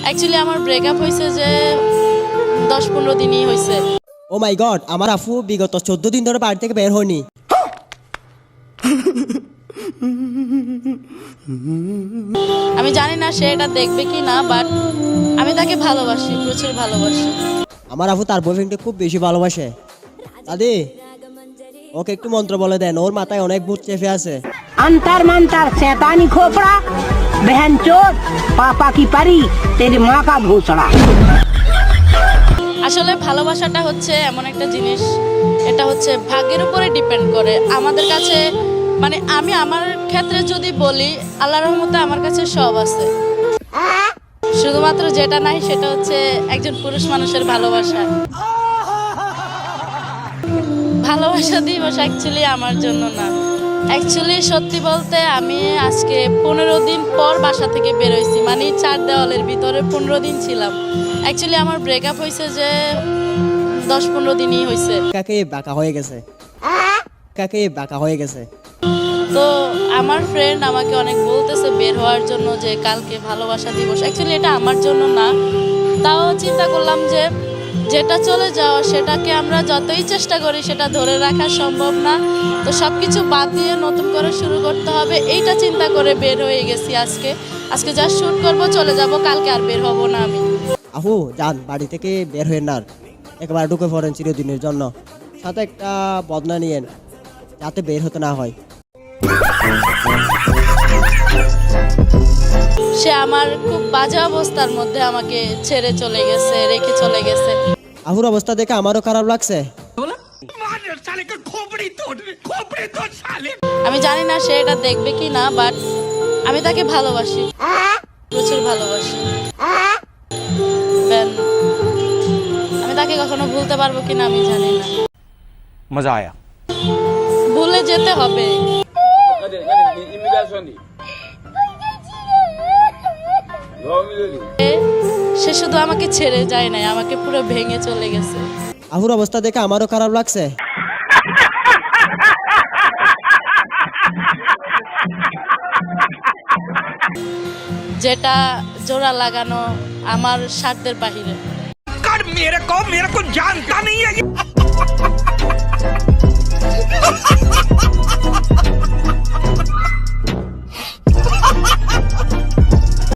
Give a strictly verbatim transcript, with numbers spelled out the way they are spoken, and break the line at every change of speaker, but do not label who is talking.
Actually আমার breakup হয়েছে যে দশ পনেরো দিনই হয়েছে।
ও মাই গড, আমার আফু বিগত চোদ্দ দিন ধরে বাড়ি থেকে বের হয়নি।
আমি জানি না সে এটা দেখবে কি না, বাট আমি তাকে ভালোবাসি, প্রচুর ভালোবাসি।
আমার আফু তার বয়ফ্রেন্ডকে খুব বেশি ভালোবাসে। দাদি, ওকে একটু মন্ত্র বলে দেন, ওর মাথায় অনেক ভূত চেপে আছে।
अंतर मंतर शैतानी खोपड़ा बहन चोट पापा की परी तेरी माँ का भूसड़ा।
আসলে ভালোবাসাটা হচ্ছে এমন একটা জিনিস, এটা হচ্ছে ভাগ্যের উপরে ডিপেন্ড করে। আমাদের কাছে মানে আমি আমার ক্ষেত্রে যদি বলি, আল্লাহর রহমতে আমার কাছে সব আছে, শুধুমাত্র যেটা নাই সেটা হচ্ছে একজন পুরুষ মানুষের ভালোবাসা। ভালোবাসা দিবস অ্যাকচুয়ালি আমার জন্য না। অ্যাকচুয়ালি সত্যি বলতে আমি আজকে পনেরো দিন পর বাসা থেকে বেরোইছি, মানে চার দেওয়ালের ভিতরে পনেরো দিন ছিলাম। অ্যাকচুয়ালি আমার ব্রেকআপ হয়েছে যে দশ পনেরো দিনই হয়েছে।
কাকে বাঁকা হয়ে গেছে, কাকে বাঁকা হয়ে গেছে।
তো আমার ফ্রেন্ড আমাকে অনেক বলতেছে বের হওয়ার জন্য, যে কালকে ভালোবাসা দিবস। অ্যাকচুয়ালি এটা আমার জন্য না, তাও চিন্তা করলাম যে যেটা চলে যাওয়া সেটাকে আমরা যতই চেষ্টা করি সেটা ধরে রাখা সম্ভব না। তো সব কিছু বাদ দিয়ে নতুন করে শুরু করতে হবে, এইটা চিন্তা করে বের হয়ে গেছি আজকে। আজকে যা শ্যুট করবো, চলে যাব, কালকে আর বের হব না আমি।
আফু যান, বাড়ি থেকে বের হয়ে না, একবার ঢুকে পড়েন চিরদিনের জন্য। সাথে একটা বদনা নিয়েন, যাতে বের হতে না হয়।
সে আমার খুব বাজে অবস্থার মধ্যে আমাকে ছেড়ে চলে গেছে, রেখে চলে গেছে।
আফুর অবস্থা দেখে আমারও খারাপ লাগছে।
আমি জানি না সে এটা দেখবে কি না, বাট আমি তাকে ভালোবাসি, প্রচুর ভালোবাসি। Ben, আমি তাকে কখনো ভুলতে পারবো কিনা আমি জানি না।
মজা আয়া।
ভুলে যেতে হবে। সে শুধু আমাকে ছেড়ে যায় নাই, আমাকে পুরো ভেঙে চলে গেছে।
আফুর অবস্থা দেখে আমারও খারাপ লাগছে।
যেটা জোড়া লাগানো আমার স্বার্থের বাহিরে।
कर मेरे को मेरे को जानता नहीं है।